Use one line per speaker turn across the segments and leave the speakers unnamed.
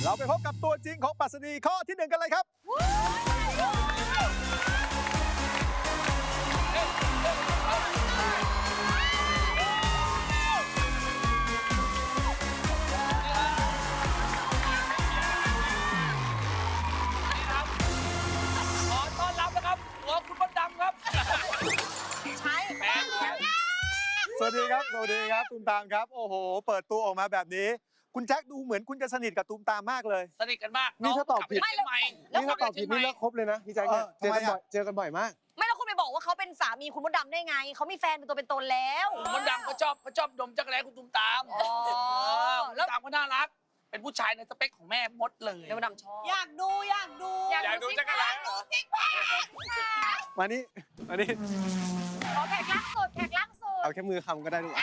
เราไปพบกับตัวจริงของปรัชนีข้อที่ 1 กันเลยครับ
ขอต้อนรับนะครับหัวคุณมดดำครับ
ใช่
แหม
สวัสดีครับสวัสดีครับตูมตามครับโอ้โหเปิดตัวออกมาแบบนี้คุณแจ็คดูเหมือนคุณจะสนิทกับตูมตามมากเลย
สนิทกันมาก
นี่ถ้าตอบผิด
น้งกลับปเชียงใหม่
นี่ถ้าตอบผิดนี่เลิกคบเลยนะพี่แจ๊คเนี่ยเจอกันบ่อยมาก
ไม่แล้วคุณไปบอกว่าเขาเป็นสามีคุณมดดำได้ไงเขามีแฟนเป็นตัวเป็นตนแล้ว
มดดำเขาชอบดมจักรแร้คุณตุ้มตาม
อ๋อ
คุณตุ้มตามก็น่ารัก เป็นผู้ชายในสเปคของแม่มดเลย
แล้วมดดำชอบ
อยากดูจักรแล้
มานี่
ขอแขกล่างสุดแขกล่างสุด
เอาแค่มือคำก็ได้ลูก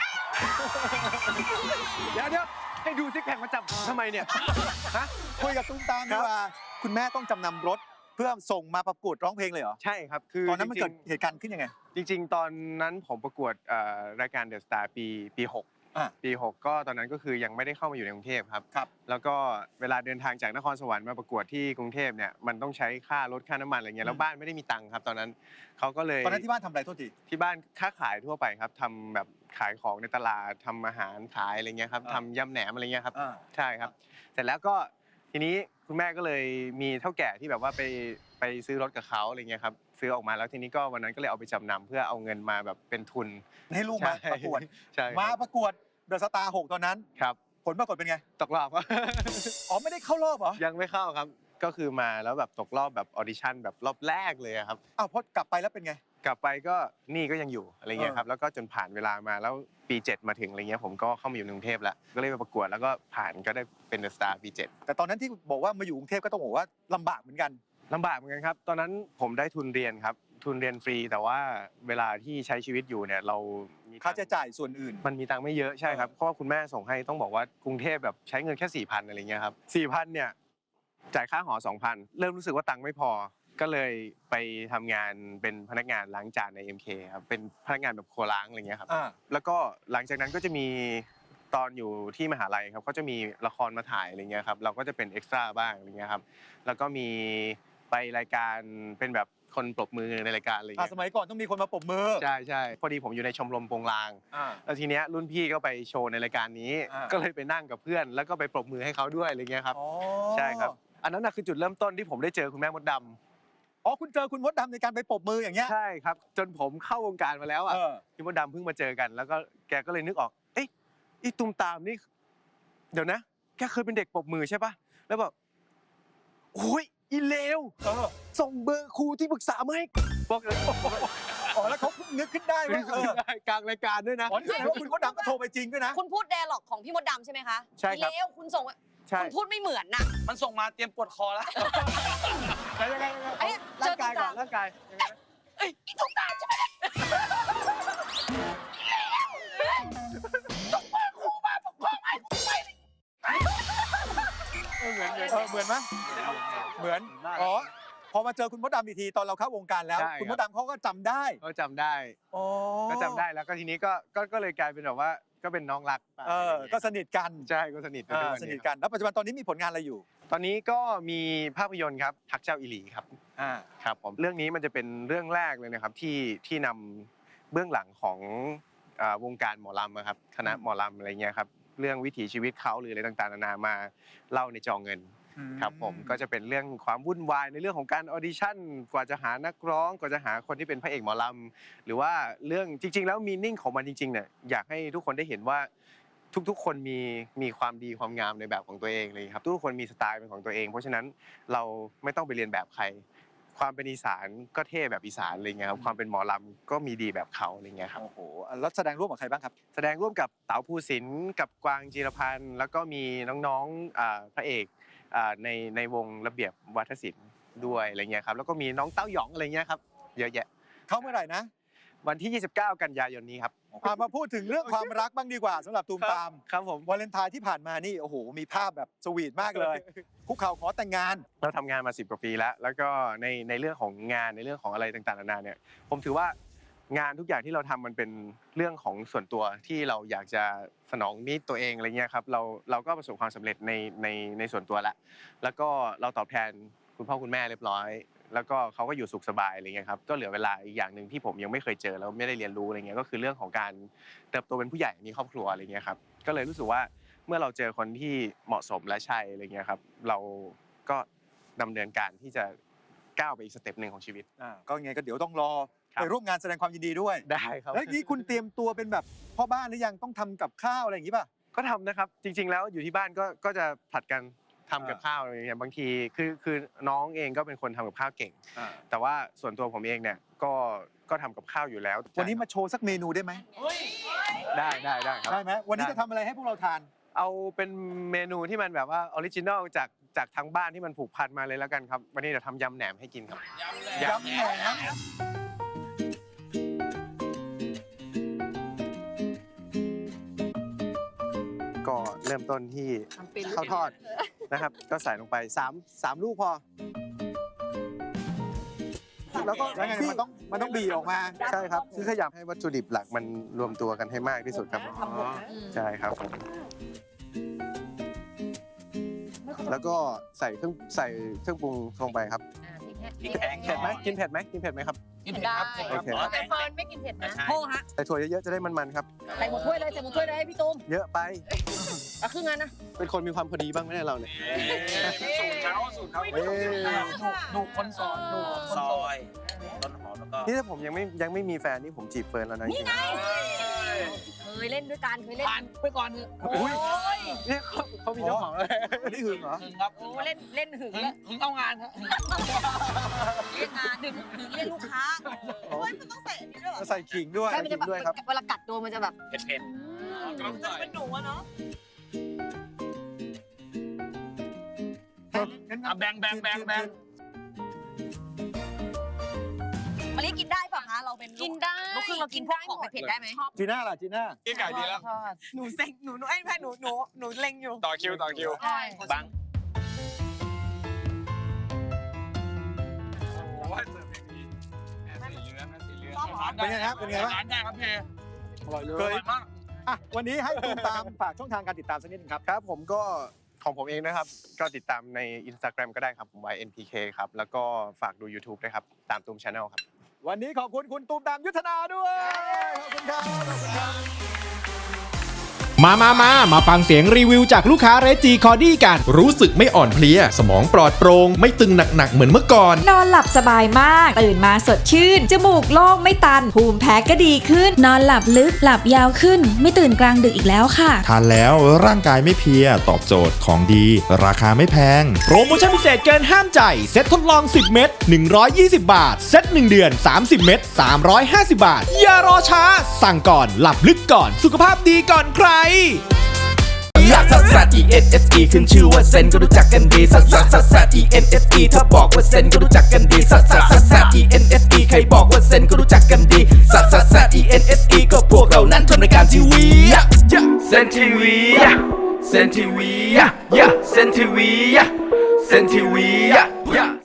เดี๋ยวให้ดูซิกแพคมาจับทำไมเนี่ยฮะ
คุยกับตูมตามดีกว่าคุณแม่ต้องจำนำรถเพื่อส่งมาประกวดร้องเพลงเลยเหรอ
ใช่ครับคือ
ตอนนั้นมันเกิดเหตุการณ์ขึ้นยังไง
จริงๆตอนนั้นผมประกวดรายการเดอะสตาร์ปี 6ปี 6ก็ตอนนั้นก็คือยังไม่ได้เข้ามาอยู่ในกรุงเทพครับแล้วก็เวลาเดินทางจากนครสวรรค์มาประกวดที่กรุงเทพเนี่ยมันต้องใช้ค่ารถค่าน้ำมันอะไรเงี้ยแล้วบ้านไม่ได้มีตังค์ครับตอนนั้นเขาก็เลย
ตอนนั้นที่บ้านทำอะไรโทษที
ที่บ้านค้าขายทั่วไปครับทำแบบขายของในตลาดทำอาหารขายอะไรเงี้ยครับทำยำแหนมอะไรเงี้ยครับใช่ครับเสร็จแล้วก็ทีนี้คุณแม่ก็เลยมีเท่าแก่ที่แบบว่าไปซื้อรถกับเขาอะไรเงี้ยครับซื้อออกมาแล้วทีนี้ก็วันนั้นก็เลยเอาไปจำนำเพื่อเอาเงินมาแบบเป็นทุน
ให้ลูกมาประกวด
ใช่
มาประกวดเดอะสตาร์6ตอนนั้น
ครับ
ผลปรากฏเป็นไง
ตกรอบ
อ๋อไม่ได้เข้ารอบเหรอ
ยังไม่เข้าครับก็คือมาแล้วแบบตกรอบแบบออดิชั่นแบบรอบแรกเลยครับ
อ้าวพอกลับไปแล้วเป็นไง
กลับไปก็นี่ก็ยังอยู่อะไรเงี้ยครับแล้วก็จนผ่านเวลามาแล้วปี 7มาถึงอะไรเงี้ยผมก็เข้ามาอยู่กรุงเทพแล้วก็เลยไปประกวดแล้วก็ผ่านก็ได้เป็นเดอะสตาร์ปี 7
แต่ตอนนั้นที่บอกว่ามาอยู่กรุงเทพก็ต้องบอกว่าลำบากเหมือนกัน
ลำบากเหมือนกันครับตอนนั้นผมได้ทุนเรียนครับทุนเรียนฟรีแต่ว่าเวลาที่ใช้ชีวิตอยู่เนี่ยเรามี
ค่าใช้จ่ายส่วนอื่น
มันมีตังค์ไม่เยอะใช่ครับเพราะว่าคุณแม่ส่งให้ต้องบอกว่ากรุงเทพแบบใช้เงินแค่ 4,000 อะไรเงี้ยครับ 4,000 เนี่ยจ่ายค่าหอ 2,000 เริ่มรู้สึกว่าตังค์ไม่พอก็เลยไปทำงานเป็นพนักงานล้างจานใน MK ครับเป็นพนักงานแบบครัวล้างอะไรเงี้ยครับแล้วก็หลังจากนั้นก็จะมีตอนอยู่ที่มหาลัยครับก็จะมีละครมาถ่ายอะไรเงี้ยครับเราก็จะเป็นเอ็กซ์ตร้าบ้างอะไรเงี้ยครับแล้วก็มีไปรายการเป็นแบบคนปรบมือในรายการอะไรเงี้ย
สมัยก่อนต้องมีคนมาปรบมือ
ใช่พอดีผมอยู่ในชมรมโปงลางแล้วทีเนี้ยรุ่นพี่ก็ไปโชว์ในรายการนี้ก็เลยไปนั่งกับเพื่อนแล้วก็ไปปรบมือให้เขาด้วยอะไรเงี้ยครับใช่ครับอันนั้นคือจุดเริ่มต้นที่ผมได้เจอคุณแม่มดดำ
อ๋อคุณเจอคุณมดดำในการไปปรบมืออย่างเงี้ย
ใช่ครับจนผมเข้าวงการมาแล้วอ่ะพี่มดดำเพิ่งมาเจอกันแล้วก็แกก็เลยนึกออกเอ้ยอีตุ้มตามนี่เดี๋ยวนะแกเคยเป็นเด็กปรบมือใช่ป่ะแล้วแบบโอ้ยอีเลวส่งเบอร์ครูที่ปรึกษามาให้บอกเลย
อ๋อแล้วเขานึกขึ้นได้ว่
ากลางรายการด้วยนะ
อ๋อนี่แสดงว่าคุณมดดำก็โทรไปจริงด้วยนะ
คุณพูดไดอะล็อกของพี่มดดำใช่ไหมคะ
ใช่ครับ
แล้วคุณส่งคุณพูดไม่เหมือนน่ะ
มันส่งมาเตรียมปวดคอแล้ว
ยังไงร่างกายก่อนร่างกายยังไง
เอ้ยอีตุ้มตามใช่ไหมส่งเบอร์ครูมาผมขอให้ผมไป
เหมือนไหมเหมือนอ๋อพอมาเจอคุณมดดำอีกทีตอนเราเข้าวงการแล้วคุณมดดำเขาก็จำได้
ก็จำได้ก็จำได้แล้วก็ทีนี้ก็เลยกลายเป็นแบบว่าก็เป็นน้องรัก
ก็สนิทกัน
ใช่ก็สนิท
กันแล้วปัจจุบันตอนนี้มีผลงานอะไรอยู่
ตอนนี้ก็มีภาพยนตร์ครับฮักเจ้าอิหลีครับครับผมเรื่องนี้มันจะเป็นเรื่องแรกเลยนะครับที่นำเบื้องหลังของวงการหมอลำครับคณะหมอลำอะไรเงี้ยครับเรื่องวิถีชีวิตเขาหรืออะไรต่างๆนานามาเล่าในจอเงินครับผมก็จะเป็นเรื่องความวุ่นวายในเรื่องของการออดิชั่นกว่าจะหานักร้องกว่าจะหาคนที่เป็นพระเอกหมอลำหรือว่าเรื่องจริงๆแล้วมีนิ่งของมันจริงๆเนี่ยอยากให้ทุกคนได้เห็นว่าทุกๆคนมีความดีความงามในแบบของตัวเองเลยครับทุกคนมีสไตล์เป็นของตัวเองเพราะฉะนั้นเราไม่ต้องไปเรียนแบบใครความเป็นอีสานก็เท่แบบอีสานอะไรเงี้ยครับความเป็นหมอลำก็มีดีแบบเขาอะไรเงี้ยครับ
โอ้โหแล้วแสดงร่วมกับใครบ้างครับ
แสดงร่วมกับเต๋าภูสินทร์กับกวางจีรพันธ์แล้วก็มีน้องๆพระเอกในวงระเบียบวัฒนศิลป์ด้วยอะไรเงี้ยครับแล้วก็มีน้องเต้าหยองอะไรเงี้ยครับเยอะแยะ
เข้าเมื่อไหร่นะ
วันที่29กันยายนนี้ครับ
มาพูดถึงเรื่องความรักบ้างดีกว่าสำหรับตูมตาม
ครับผม
วาเลนไทน์ที่ผ่านมานี่โอ้โหมีภาพแบบสวีทมากเลยคุกเข่าขอแต่งงาน
เราทำงานมา10 กว่าปีแล้วก็ในเรื่องของงานในเรื่องของอะไรต่างๆนานาเนี่ยผมถือว่างานทุกอย่างที่เราทำมันเป็นเรื่องของส่วนตัวที่เราอยากจะสนองนิดตัวเองอะไรเงี้ยครับเราก็ประสบความสำเร็จในส่วนตัวแล้วก็เราตอบแทนคุณพ่อคุณแม่เรียบร้อยแล้วก็เขาก็อยู่สุขสบายอะไรเงี้ยครับก็เหลือเวลาอีกอย่างหนึ่งที่ผมยังไม่เคยเจอแล้วไม่ได้เรียนรู้อะไรเงี้ยก็คือเรื่องของการเติบโตเป็นผู้ใหญ่มีครอบครัวอะไรเงี้ยครับก็เลยรู้สึกว่าเมื่อเราเจอคนที่เหมาะสมและใช่อะไรเงี้ยครับเราก็ดำเนินการที่จะก้าวไปอีกสเต็ปหนึ่งของชีวิต
ก็ไงก็เดี๋ยวต้องรอ
ครับ
ไปร่วมงานแสดงความยินดีด้วย
ได้ครับ
แล้วนี้คุณเตรียมตัวเป็นแบบพ่อบ้านหรือยังต้องทำกับข้าวอะไรอย่างนี้ป่ะ
ก็ทำนะครับจริงๆแล้วอยู่ที่บ้านก็จะผลัดกันทำกับข้าวอะไรอย่างเงี้ยบางทีคือน้องเองก็เป็นคนทำกับข้าวเก่ง แต่ว่าส่วนตัวผมเองเนี่ยก็ทำกับข้าวอยู่แล้ว
วันนี้มาโชว์สักเมนูได้ไหม
ได้ครับ
ได้ไหมวันนี้จะทำอะไรให้พวกเราทาน
เอาเป็นเมนูที่มันแบบว่าออริจินอลจากทางบ้านที่มันผูกพันมาเลยแล้วกันครับวันนี้เดี๋ยวทำยำแหนมให้กินครับ
ยำแหนม
ก็เริ่มต้นที่ข้าวทอดนะครับ ก็ใส่ลงไป3ลูกพอ แล้วก็
แล้วไงมันต้องบีออกมา
ใช่ครับคือขยับให้วัตถุดิบหลักมันรวมตัวกันให้มากที่สุดครับใช่ครับแล้วก็ใส่เครื่องปรุงลงไปครับ
พริกแห้ง
เผ็ดไหมกินเผ็ดไหมครับ
กินเผ็ดครับ
โอเค
แต่เฟิร์นไม่กินเผ็ดนะ
โทษฮะ
ใส่ถั่วเยอะๆจะได้มันๆครับ
ใส่หมดถ้วยเลยใส่หมดถ้วยเลยให้พี่ตุ้ม
เยอะไป
เอาครึ่งงานนะ
เป็นคนมีความพอดีบ้างไหมเนี่ยเราเนี่ย
สูตรเขา
เอ้ย
ดูคนสอนดูคนซอยต้นหอมแล้วก็
นี่ถ้าผมยังไม่มีแฟนนี่ผมจีบเฟิร์นแล้วนะนี่ไง
เคยเล่นด้วยกันเคยเล่น
ผ่านไปก่อนเถอะ
โอ้ย
เนี่ยเขามีเจ้าของแล้ว
อันนี้หึงเหรอ
หึงครับ
โอ้เล่นหึง
หึง
แล้ว
หึงเอางานครับ
เรียกงานหึงเรียกลูกค้า
มันต้องใส่อันนี้ด้วยเหรอ
ใส่ขิงด้วย
ใช่มันจะแบบเวลากัดตัวมันจะแบบ
เผ็ด
จะเป็นหนูอะเนาะ
แบ่ง
มะลิกินได้ป่ะคะเราเป็นลู
กินได้
ลูกครึ่งเรากินพวกของเผ็ดๆได้ไหม
จีน่าล่ะจีน่า
กินไก่ดีแล้ว
หนูเซ็งหนูไอ้แม่หนูเล็งอยู่
ต่อคิว
ใช่
บังโอ้ยเสิร์ฟอย่างดีสีเหลือง
เป็นไงครับเป็นไงบ้าง
ร้านได้ครับพี่
อร่อยเล
เค
ย
ยมาก
อ่ะวันนี้ให้ตูมตามฝากช่องทางการติดตามสักนิดนึงครับ
ครับผมก็ของผมเองนะครับ ก็ติดตามใน Instagram ก็ได้ครับผม YNPK ครับ แล้วก็ฝากดู YouTube ด้วยครับ ตามตูม Channel ครับ
วันนี้ขอบคุณคุณตูมตามยุทธนาด้วยขอบคุณครับขอบคุณครับ
มาฟังเสียงรีวิวจากลูกค้าเรจีคอดี้กัน รู้สึกไม่อ่อนเพลีย สมองปลอดโปร่งไม่ตึงหนักๆเหมือนเมื่อก่อน
นอนหลับสบายมาก ตื่นมาสดชื่น จมูกโล่งไม่ตัน ภูมิแพ้ก็ดีขึ้น
นอนหลับลึกหลับยาวขึ้น ไม่ตื่นกลางดึกอีกแล้วค่ะ
ทานแล้วร่างกายไม่เพลียตอบโจทย์ของดี ราคาไม่แพง
โปรโมชั่นพิเศษเกินห้ามใจเซ็ตทดลอง 10 เม็ด120 บาท เซ็ต1 เดือน 30 เม็ด350 บาท อย่ารอช้า สั่งก่อนหลับลึกก่อนสุขภาพดีก่อนใคร
ลักซัสซัส E-N-S-E ขึ้นชื่อว่าเซนก็รู้จักกันดีซัสซัสซัสซัส E-N-S-E ถ้าบอกว่าเซนก็รู้จักกันดีซัสซัสซัสซัส E-N-S-E ใครบอกว่าเซนก็รู้จักกันดีซัสซัสซัส E-N-S-E ก็พวกเรานั้นทำรายการทีวีเซนทีวีเซนทีวีเซนทีวีเซนทีวี